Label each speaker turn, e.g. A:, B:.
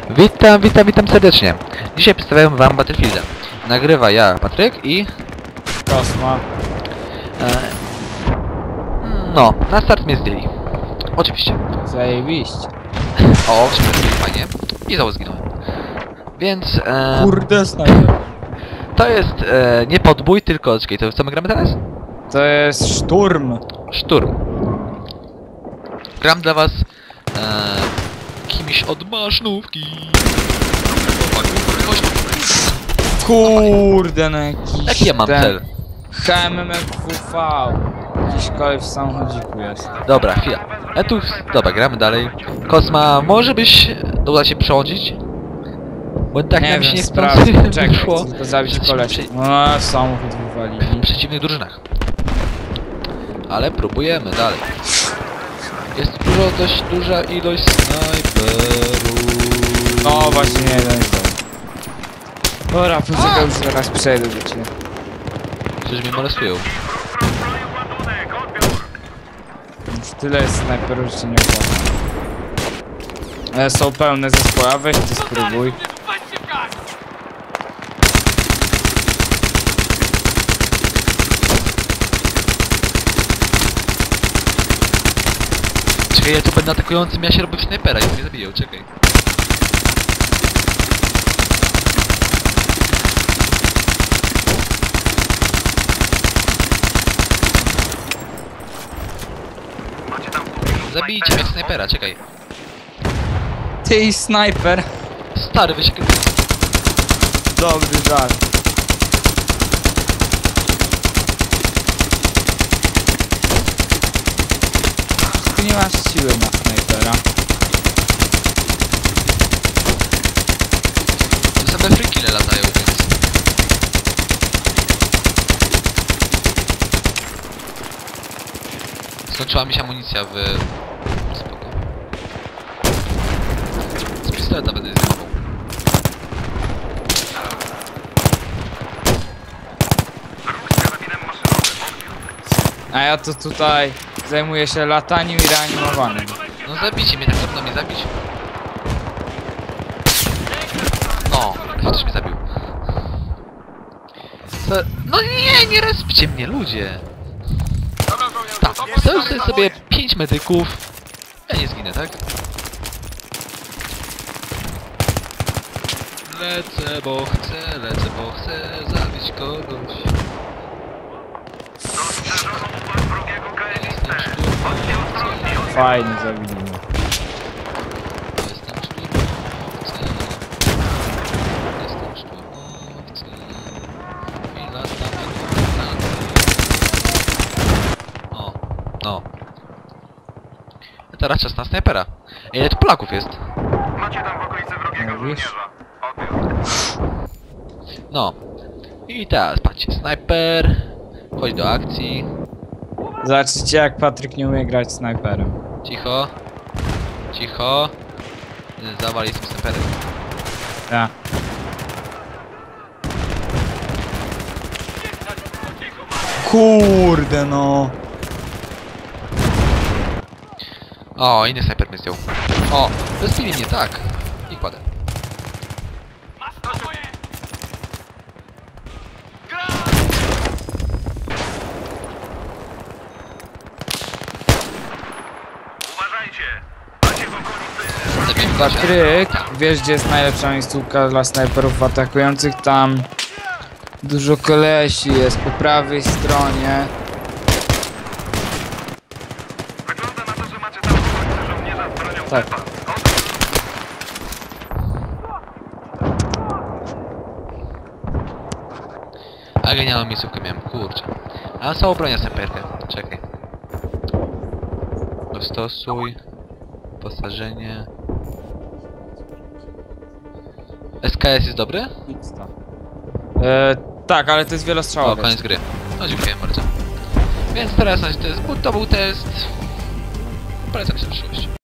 A: Witam serdecznie. Dzisiaj przedstawiam wam Battlefielda. Nagrywa ja, Patryk i...
B: Kosma.
A: No, na start mnie zdjęli. Oczywiście.
B: Zajebiście.
A: O, fajnie. I znowu zginąłem. Więc...
B: Kurde, snajper.
A: to jest nie podbój, tylko... Czekaj, to co my gramy teraz?
B: To jest szturm.
A: Szturm. Gram dla was... kimś od maszynówki.
B: Kurde, no jakiś...
A: Jaki ja mam cel?
B: HMMQV. Jakiś kolej w samochodziku jest.
A: Dobra, chwila. Dobra, gramy dalej. Kosma, może byś uda się przechodzić? Bo tak
B: Nie
A: nam się
B: wiem,
A: nie
B: sprawdzę. Czekaj,
A: wyszło.
B: chcę tylko zabić
A: Jesteśmy
B: koleś. O, samochód wywalili.
A: w przeciwnych drużynach. Ale próbujemy dalej. Jest dość duża ilość snajperów.
B: No właśnie, nie, jeden jest dobry. Dobra, poczekaj, już zaraz przejdę do ciebie.
A: Przecież mnie molestują.
B: Już tyle jest snajperów, że się nie opłaca. Są pełne zespoły, a weź ty spróbuj.
A: Czekaj, ja tu będę atakującym, ja się robię w snajpera i mnie zabiją, czekaj. Zabijcie mnie w snajpera, czekaj.
B: Ty snajper.
A: Stary, weź...
B: Dobry żart. Ty nie masz siły na snajpera.
A: To same freakile latają, więc... Skończyła mi się amunicja w... Spoko. Z pistoleta będę zdejmował.
B: A ja to tutaj zajmuję się lataniem i reanimowaniem.
A: No zabijcie mnie, tak trudno mnie zabić. O, ktoś mnie zabił. No nie respcie mnie, ludzie! Tak, zostawię sobie 5 medyków. Ja nie zginę, tak? Lecę, bo chcę zabić kogoś. Jestem szturmowcem.
B: Fajnie zabili mnie.
A: Jestem szturmowcem. Jestem szturmowcem. I latam O, no. Teraz czas na snajpera. Ile tu Polaków jest?
C: Macie tam w okolicy wrogiego
B: Mówisz?
C: żołnierza. Odbiór.
A: No. I teraz patrzcie, snajper. Chodź do akcji.
B: Zobaczycie jak Patryk nie umie grać snajperem.
A: Cicho. Cicho. Zawali z tym snajperem.
B: Ja. Kurde no.
A: O, inny snajper mnie zdjął. O, rozbili mnie, tak. I kładę.
C: Uważajcie! Macie w okolicy...
A: Zabiłem gościa.
B: Patryk, wiesz gdzie jest najlepsza miejscówka dla snajperów atakujących? Tam dużo kolesi jest po prawej stronie.
C: Wygląda na to, że macie tam w okolicy żołnierza z bronią
B: Tak.
C: Pepa.
A: A genialną miejscówkę miałem, kurczę. A są bronię snajperkę. Czekaj. Dostosuj. Posażenie. SKS jest dobry?
B: Tak, ale to jest
A: O,
B: wielostrzałowy.
A: koniec gry. No dziękuję bardzo. Więc teraz to był test. Polecam się w przyszłości.